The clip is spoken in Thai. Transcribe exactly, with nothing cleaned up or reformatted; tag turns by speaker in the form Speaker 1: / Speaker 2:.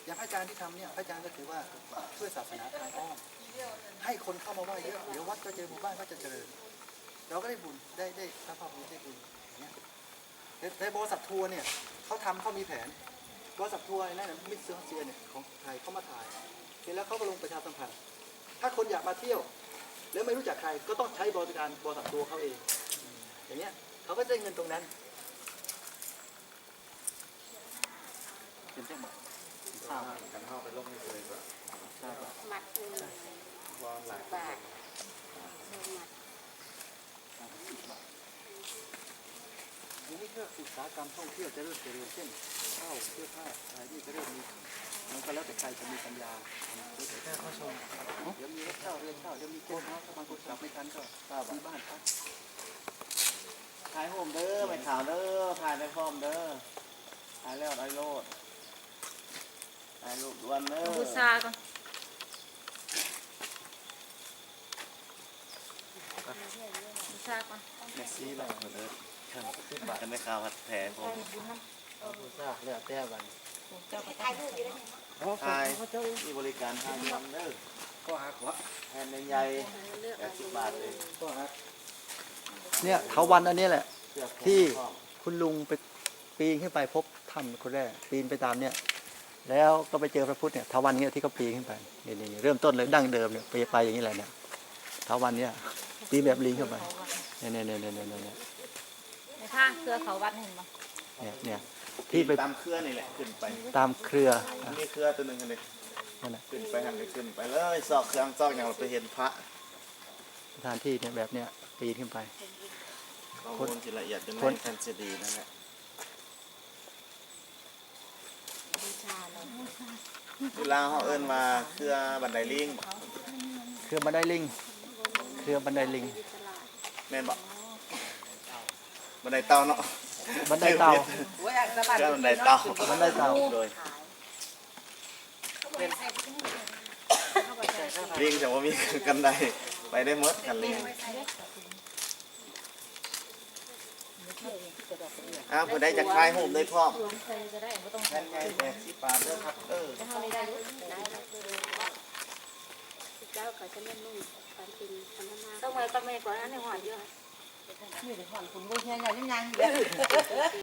Speaker 1: อย่างอาจารย์ที่ทำเนี่ยอาจารย์ก็ถือว่าช่วยศาสนาทางอ้อมให้คนเข้ามาไหว้เยอะเดี๋ยววัดก็เจอหมู่บ้านก็จะเจริญเราก็ได้บุญได้ได้พระภาพบุญได้บุญอย่างเงี้ยในบริษัททัวร์เนี่ยเขาทำเขามีแผนบริษัททัวร์นั่นมิสเซอร์เซียเนี่ยของไทยเขามาถ่ายเสร็จแล้วเขาก็ลงประชาสัมพันธ์ถ้าคนอยากมาเที่ยวแล้วไม่รู้จักใครก็ต้องใช้บริการบริษัททัวร์เขาเองอย่างเงี้ยเขาก็ได้เงินตรงนั้นเป็นเจ้าหมาทราบกันเข้าไปลงไม่เคยแบบทราบมัดวางหลายบาททีนี้เพื่ออุตสาหกรรมท่องเที่ยวจะเริ่มเจริญเช่นข้าวเสื้อผ้าอะไรนี่จะเริ่มมีมันก็แล้วแต่ใครจะมีปัญญาแค่เข้าชมเดี๋ยวมีรถเช่าเรือนเช่าเดี๋ยวมีโกนเท้าถ้าบางคนกลับไม่ทันก็มีบ้านพัก
Speaker 2: ถ่ายผมเด้อไปข่าวเด้อถ่ายในฟอร์มเด้อถ่ายแล้วไอ้โลดถ่ายรูปด่วนเด้อ
Speaker 3: บูชาก่อนบูชาก่อน
Speaker 2: เมสซี่เราเด้อกันในข่าวผัดแผลผม
Speaker 1: บูชาแล้วแต่บัน
Speaker 2: ถ่ายที่บริการทางเงินเด้อ
Speaker 1: ก็หักวะ
Speaker 2: แทนใหญ่แปดสิบบาทเลย
Speaker 1: ก็หักเนี่ยเถาวันอันนี้แหละที่คุณลุงไปปีนขึ้นไปพบถ้ำคนแรกปีนไปตามเนี่ยแล้วก็ไปเจอพระพุทธเนี่ยเถาวันเนี่ยที่เขาปีนขึ้นไปนี่นี่เริ่มต้นเลยดั้งเดิมเนี่ยไปไปอย่างนี้แหละเนี่ยเถาวันเนี่ยปีนแบบลิงเข้าไปเนี่ยเนี่ยเนี่ยเนี่ยเนี่ย
Speaker 3: ในข้างเครือเขาวัดเห็นไหม
Speaker 1: เนี่ยเนี่ยที่ไป
Speaker 2: ตามเครือนี่แหละขึ้นไป
Speaker 1: ตามเครือ
Speaker 2: มีเครือตัวหนึ่งกันเลยขึ้นไปหันไปขึ้นไปเลยซอกเครื่องซอกอย่างเราไปเห็นพระ
Speaker 1: สถานที่เนี่ยแบบเนี้ยปีนขึ้นไป
Speaker 2: ข้อมูลที่ละเอียดจนแฟนซีดีนั่นแหละเวลาเขาเอิ้นมาเครือบันไดลิง
Speaker 1: เครือบันไดลิงเครือบันไดลิง
Speaker 2: แม่นบอกบันไดเต่าเนาะ
Speaker 1: บันไดเต่า
Speaker 2: เครือบันไดเต่า
Speaker 1: บันไดเต่า
Speaker 2: โดยลิงจะว่ามีกันไดไปได้หมดกันลิงอ้าวผู้ใดจะคลายหูได้พร้อมแทนไงแปดสิบบาทเด้อครับเออ
Speaker 3: ต้องไปต้องไปก่อนอันนี้หอดเยอะ
Speaker 4: นี่เดี๋ยวหอนคุณบุญยังยังยัง